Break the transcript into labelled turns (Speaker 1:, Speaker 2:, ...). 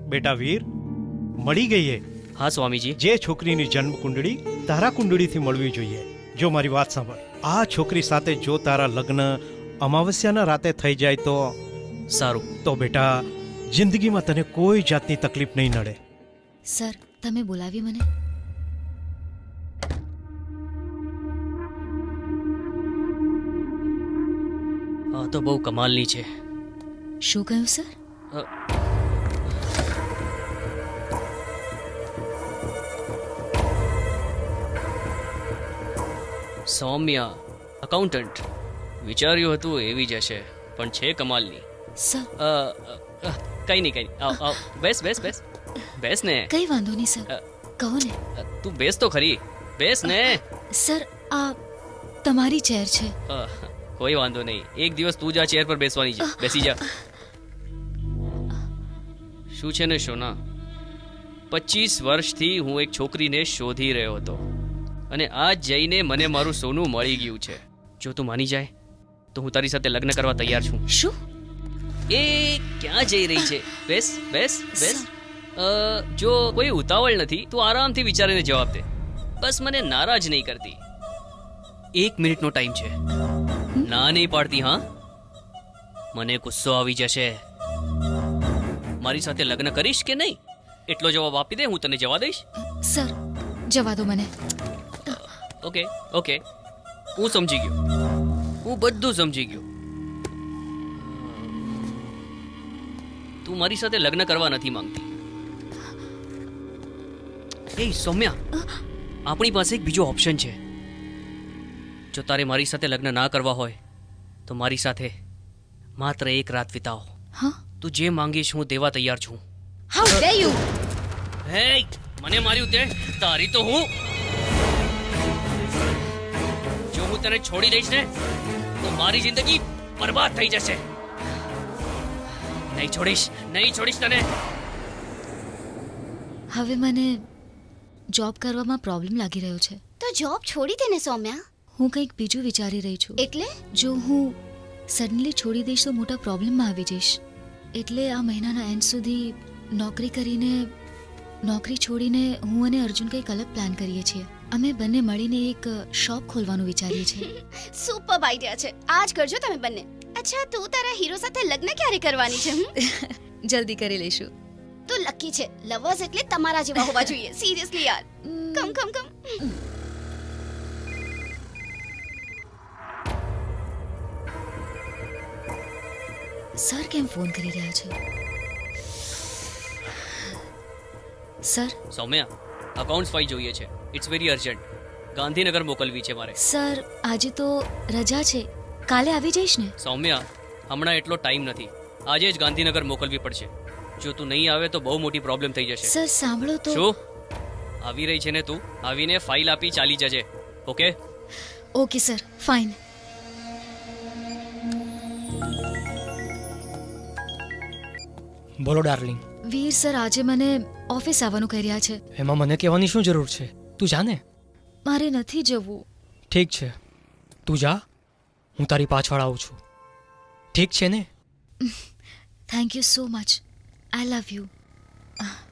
Speaker 1: બેટા વીર, મળી ગઈ એ.
Speaker 2: હા સ્વામીજી.
Speaker 1: જે છોકરીની જન્મ કુંડળી તારા કુંડળીથી મળવી જોઈએ. જો મારી વાત સાંભળ, આ છોકરી સાથે જો તારા લગ્ન અમાવસ્યાના રાતે થઈ જાય તો
Speaker 2: સારું.
Speaker 1: તો બેટા જિંદગીમાં તને કોઈ જાતની તકલીફ નહીં નડે.
Speaker 3: સર, તમે બોલાવી મને?
Speaker 2: આ તો બહુ કમાલની છે.
Speaker 3: શું કહ્યું સર?
Speaker 2: અ, સૌમ્યા અકાઉન્ટન્ટ. વિચાર્યું હતું એવી જ હશે, પણ છે કમાલની.
Speaker 3: સર,
Speaker 2: કઈ નહીં. આવ આવ, બેસ બેસ બેસ બેસ ને.
Speaker 3: કઈ વાંધો નહીં સર, કહો ને.
Speaker 2: તું બેસ તો ખરી, બેસ ને.
Speaker 3: સર, આ તમારી ચેર છે.
Speaker 2: કોઈ વાંધો નહીં, એક દિવસ તું જ આ ચેર પર બેસવાની છે. બેસી જા. શું છે ને શોના, 25 વર્ષથી હું એક છોકરીને શોધી રહ્યો હતો અને આજ જઈને મને મારું સોનું મળી ગયું છે. જો તું માની જાય તો હું તારી સાથે લગ્ન કરવા તૈયાર છું.
Speaker 3: શું?
Speaker 2: એ ક્યાં જઈ રહી છે? બેસ બેસ બેસ. જો કોઈ ઉતાવળ નથી, તું આરામથી વિચારીને જવાબ દે. બસ મને નારાજ નહીં કરતી. 1 મિનિટનો ટાઈમ છે. ના નહીં પાડતી? હા, મને ગુસ્સો આવી જશે. મારી સાથે લગ્ન કરીશ કે નહીં એટલો જવાબ આપી દે, હું તને જવા દઈશ.
Speaker 3: સર, જવા દો મને.
Speaker 2: ઓકે ઓકે, હું સમજી ગયો, હું બધું સમજી ગયો. તું મારી સાથે લગ્ન કરવા નથી માંગતી. એ સૌમ્યા, આપણી પાસે એક બીજો ઓપ્શન છે. જો તારે મારી સાથે લગ્ન ના કરવા હોય તો મારી સાથે માત્ર એક રાત વિતાવો.
Speaker 3: હા?
Speaker 2: તું જે માંગીશ હું દેવા તૈયાર છું.
Speaker 3: How dare you!
Speaker 2: હે, મને માર્યું તે, તારી તો હું. જો હું તને છોડી દઈશ ને તો મારી જિંદગી બરબાદ થઈ જશે. નહીં છોડીશ તને.
Speaker 3: હવે મને જોબ કરવામાં પ્રોબ્લેમ લાગી રહ્યો છે.
Speaker 4: તો જોબ છોડી દે ને સૌમ્યા.
Speaker 3: હું કંઈક બીજું વિચારી રહી છું.
Speaker 4: એટલે
Speaker 3: જો હું સડનલી છોડી દઈશ તો મોટા પ્રોબ્લેમમાં આવી જઈશ. એટલે આ મહિનાના એન્ડ સુધી નોકરી છોડીને હું અને અર્જુન કંઈક અલગ પ્લાન કરીએ છીએ. અમે બંને મળીને એક શોપ ખોલવાનું વિચારીએ છીએ.
Speaker 4: સુપર આઈડિયા છે, આજ કરજો તમે બંને. અચ્છા, તું તારા હીરો સાથે લગ્ન ક્યારે કરવાની છે?
Speaker 3: જલ્દી કરી લઈશું.
Speaker 4: તો લકી છે. લવર્સ એટલે તમારા જેવા હોવા જોઈએ. સિરિયસલી યાર. કમ કમ કમ.
Speaker 3: સર કેમ ફોન કરી રહ્યા છે? સર,
Speaker 2: સૌમ્યા, અકાઉન્ટ્સ ફાઇલ જોઈએ છે. It's very urgent. ગાંધીનગર મોકલવી છે મારે.
Speaker 3: સર, આજે તો રજા છે, કાલે આવી જઈશ ને?
Speaker 2: સૌમ્યા, હમણાં એટલો ટાઈમ નથી. આજે જ ગાંધીનગર મોકલવી પડશે. જો તું નહીં આવે તો બહુ મોટી પ્રોબ્લેમ થઈ જશે.
Speaker 3: સર સાંભળો તો.
Speaker 2: શું આવી રહી છે ને તું? આવીને ફાઇલ આપી ચાલી જજે. Okay
Speaker 3: okay sir, fine.
Speaker 5: બોલો ડાર્લિંગ.
Speaker 3: વીર સર આજે મને ઓફિસ આવવાનું કહી રહ્યા છે.
Speaker 5: એમાં મને કહેવાની શું જરૂર છે? તું જા ને.
Speaker 3: મારે નથી જવું.
Speaker 5: ઠીક છે, તું જા, હું તારી પાછળ આવું છું. ઠીક છે ને?
Speaker 3: Thank you so much. I love you.